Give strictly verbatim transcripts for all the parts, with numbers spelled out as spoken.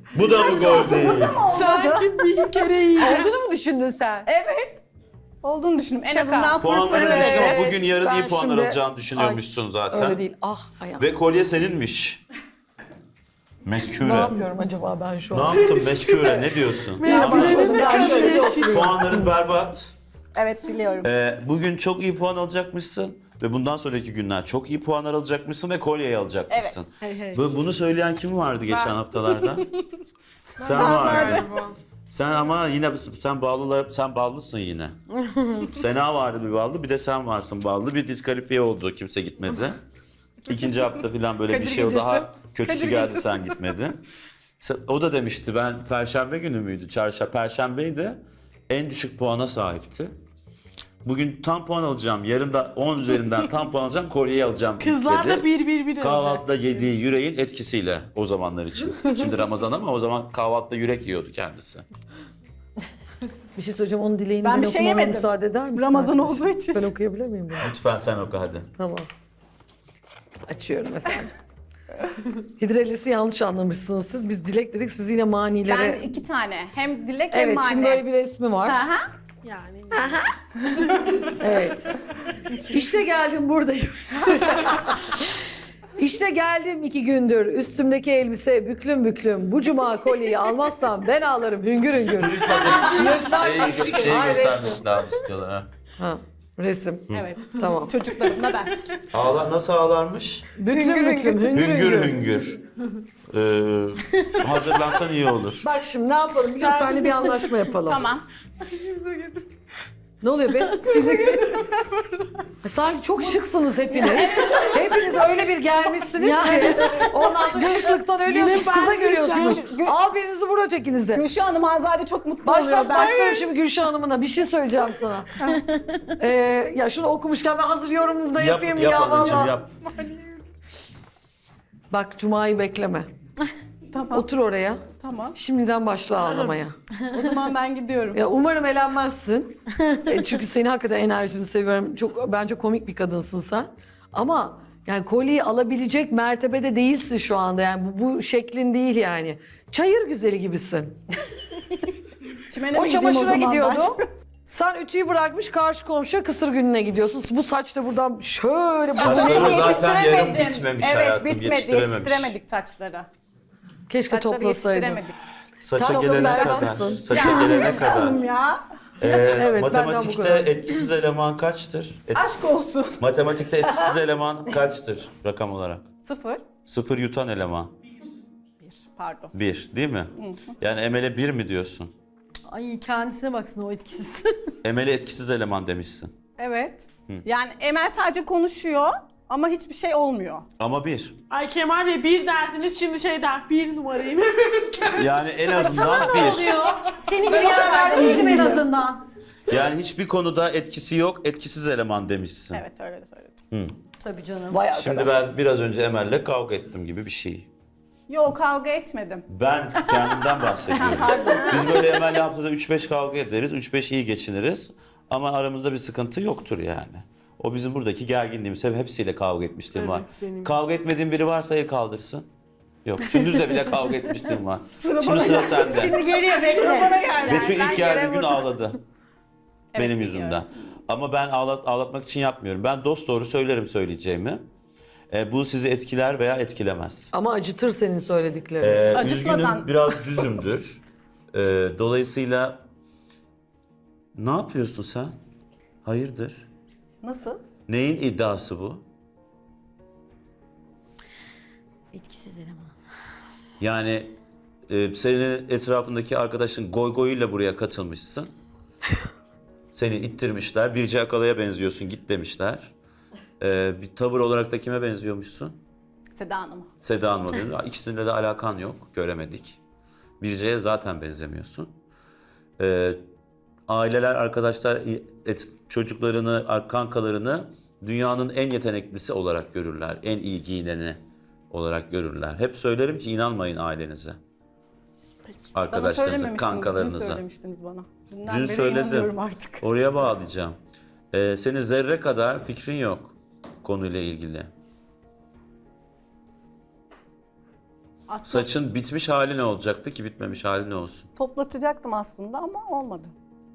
Bu da mı gol değil? Sanki bir kere iyi. Olduğunu mu düşündün sen? Evet. Olduğunu düşündüm. En Şaka. azından Puanları pırpırı düşük ama Evet, bugün yarın ben iyi puanlar şimdi- alacağını düşünüyormuşsun zaten. Öyle değil. Ah ayağım. Ve kolye seninmiş. Meskure. Ne yapıyorum acaba ben şu Ne an? yaptın meskure? Ne diyorsun? Meskure. Ben şöyle oturayım. Puanların berbat. Evet biliyorum. Ee, bugün çok iyi puan alacakmışsın. Ve bundan sonraki günler çok iyi puanlar alacakmışsın ve kolyeyi alacakmışsın. Hey, hey. Bu, bunu söyleyen kim vardı geçen haftalarda? Sen Ben vardın. Galiba. Sen ama yine sen bağlılar, sen bağlısın yine. Sena vardı bir bağlı, bir de sen varsın bağlı. Bir diskalifiye oldu, kimse gitmedi. İkinci hafta falan böyle bir Kadir şey oldu. gecesi. Daha kötüsü Kadir geldi, gecesi. sen gitmedin. Sen- O da demişti, ben Perşembe günü müydü? Çarşamba, Perşembeydi. En düşük puana sahipti. Bugün tam puan alacağım, yarın da on üzerinden tam puan alacağım, kolyeyi alacağım Kızlar dedi. da bir bir bir alacak. Kahvaltıda yediği yüreğin etkisiyle o zamanlar için. Şimdi Ramazan ama o zaman kahvaltıda yürek yiyordu kendisi. Bir şey söyleyeceğim, onun dileğini Ben ben, bir şey okumama yemedim. müsaade eder misin? Ramazan arkadaşım? olduğu için. Ben okuyabilir miyim bunu? Lütfen sen oku hadi. Tamam. Açıyorum efendim. Hidrelisi yanlış anlamışsınız siz. Biz dilek dedik, siz yine manilere... Ben iki tane. Hem dilek hem Evet, mani. şimdi böyle bir resmi var. Aha. Yani. Evet. İşte geldim, buradayım. İşte geldim iki gündür. Üstümdeki elbise büklüm büklüm. Bu cuma kolyeyi almazsam ben ağlarım hüngür hüngür. Şeyi, şeyi Ay, göstermek lazım istiyorlar ha. Ha, resim. Evet. Tamam. Çocuklarımla ben. Ağlar, nasıl ağlarmış? Büklüm büklüm hüngür Hüngür hüngür. hüngür. Ee, hazırlansan iyi olur. Bak şimdi ne yapalım? Bir gün seninle bir anlaşma yapalım. Tamam. Ne oluyor be? Siz sanki çok şıksınız hepiniz. Hepiniz öyle bir gelmişsiniz ki. Ondan sonra şıklıktan ölüyorsunuz, Yine kıza ben görüyorsunuz. Gülşen- Al birinizi vur ötekinize. Gülşah Hanım Azade çok mutlu oluyor. Başlat, Ben başlıyorum şimdi Gülşah Hanım'ına. Bir şey söyleyeceğim sana. ee, ya şunu okumuşken ben hazır yorumumu da yapayım yap ya anneciğim, valla. yap. Bak Cuma'yı bekleme. Tamam. Otur oraya. Tamam. Şimdiden başla ağlamaya. O zaman ben gidiyorum. Ya umarım elenmezsin. E, çünkü senin hakikaten enerjini seviyorum. Çok bence komik bir kadınsın sen. Ama yani kolyeyi alabilecek mertebede değilsin şu anda. Yani bu, bu şeklin değil yani. Çayır güzeli gibisin. Çimene O mi gideyim çamaşıra zaman gidiyordu. Sen ütüyü bırakmış karşı komşuya kısır gününe gidiyorsun. Bu saç da buradan şöyle... Saçları Ben? zaten yarım Yetiştiremedim. bitmemiş evet, hayatım, bitmedi, yetiştirememiş. yetiştiremedik saçları. Keşke Saçları toplasaydın. yetiştiremedik. Saça Tamam, gelene ben kadar, haklısın. saça gelene kadar. Hanım ya. Ee, Evet, benden bu matematikte kadar. etkisiz eleman kaçtır? Et- Aşk olsun. matematikte etkisiz eleman kaçtır rakam olarak? Sıfır. Sıfır yutan eleman. Bir. Pardon. Bir, değil mi? Yani Emel'e bir mi diyorsun? Ay kendisine baksın o etkisiz. Emel'e etkisiz eleman demişsin. Evet. Yani Emel sadece konuşuyor ama hiçbir şey olmuyor. Ama bir. Ay Kemal Bey bir dersiniz şimdi şey der bir numarayım. Yani en azından bir. Senin gibi yerlerde değilim en azından. Yani hiçbir konuda etkisi yok, etkisiz eleman demişsin. Evet öyle de söyledim. Tabii canım. Vay Şimdi arkadaş. ben biraz önce Emel'le kavga ettim gibi bir şey. Yok kavga etmedim. Ben kendimden bahsediyorum. Biz böyle Emel'le haftada üç beş kavga ederiz, üç beş iyi geçiniriz. Ama aramızda bir sıkıntı yoktur yani. O bizim buradaki gerginliğimiz. Hep hepsiyle kavga etmişliğim var. benim. Kavga etmediğin biri varsa el kaldırsın. Yok, Sündüz'le bile kavga etmişliğim var. Şimdi sıra sende. Şimdi geliyor bekle. Betül ilk ben geldiği yere gün vurdum. ağladı. Benim biliyorum. yüzümden. Ama ben ağlat, ağlatmak için yapmıyorum. Ben dosdoğru söylerim söyleyeceğimi. E, bu sizi etkiler veya etkilemez. Ama acıtır senin söylediklerin. E, Acıtmadan. üzgünüm, biraz düzümdür. E, dolayısıyla ne yapıyorsun sen? Hayırdır? Nasıl? Neyin iddiası bu? Etkisiz eleman. Yani e, senin etrafındaki arkadaşın goy goyuyla buraya katılmışsın. Seni ittirmişler. Birce Akalay'a benziyorsun git demişler. E, bir tavır olarak da kime benziyormuşsun? Seda Hanım'a. Seda Hanım'a benziyor. İkisinde de alakan yok. Göremedik. Birce'ye zaten benzemiyorsun. E, aileler, arkadaşlar et, çocuklarını, kankalarını dünyanın en yeteneklisi olarak görürler. En iyi giyineni olarak görürler. Hep söylerim ki inanmayın ailenize. Bana Arkadaşlarınıza, söylememiştiniz. Dün kankalarınıza. söylemiştiniz bana. Dünden Dün beri söyledim. inanıyorum artık. Oraya bağlayacağım. Ee, senin zerre kadar fikrin yok konuyla ilgili. Aslında Saçın bitmiş hali ne olacaktı ki bitmemiş hali ne olsun? toplatacaktım aslında ama olmadı.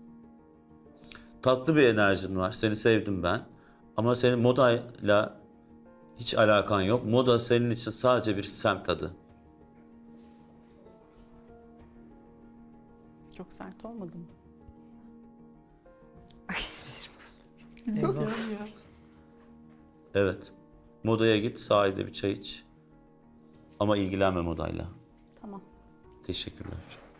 Tatlı bir enerjin var. Seni sevdim ben. Ama senin modayla hiç alakan yok. Moda senin için sadece bir semt adı. Çok sert olmadı mı? Evet. Modaya git, sahilde bir çay iç. Ama ilgilenme modayla. Tamam. Teşekkürler.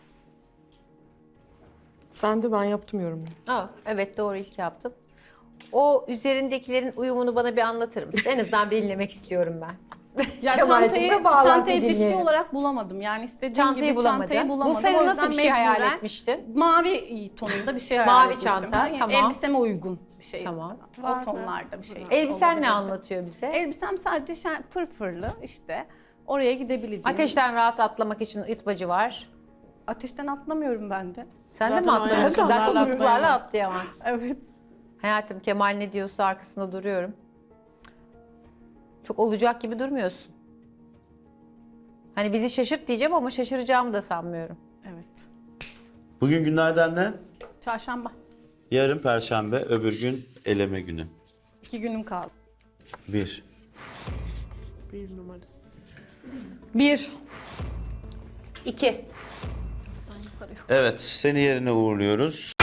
Sen de ben yaptım yorumu. Aa, evet doğru ilk yaptım. O üzerindekilerin uyumunu bana bir anlatır mısın? En azından belirlemek istiyorum ben. Ya Kemal'cim, çantayı, ve bağlantıyı çantayı ciddi dinleyelim. olarak bulamadım. Yani istediğim Çantayı gibi bulamadı. çantayı bulamadım. Bulsaydın O nasıl yüzden bir şey hayal mecburen etmiştin? Mavi tonunda bir şey hayal Mavi etmiştim. çanta, Yani tamam. Elbiseme uygun bir şey. Tamam. O tonlarda bir şey. Elbisen olabilirdi. ne anlatıyor bize? Elbisem sadece şen, pırpırlı işte. Oraya gidebileceğim. Ateşten rahat atlamak için itbacı var. Ateşten atlamıyorum ben de. Sen de Zaten mi o atlamıyorsun? Zaten ayakkabılarla topuklarla atlayamaz. atlayamaz. Evet. Hayatım Kemal ne diyorsa arkasında duruyorum. Çok olacak gibi durmuyorsun. Hani bizi şaşırt diyeceğim ama şaşıracağımı da sanmıyorum. Evet. Bugün günlerden ne? Çarşamba. Yarın Perşembe, öbür gün eleme günü. İki günüm kaldı. Bir. Bir numarası. Bir. İki. Evet, seni yerine uğurluyoruz.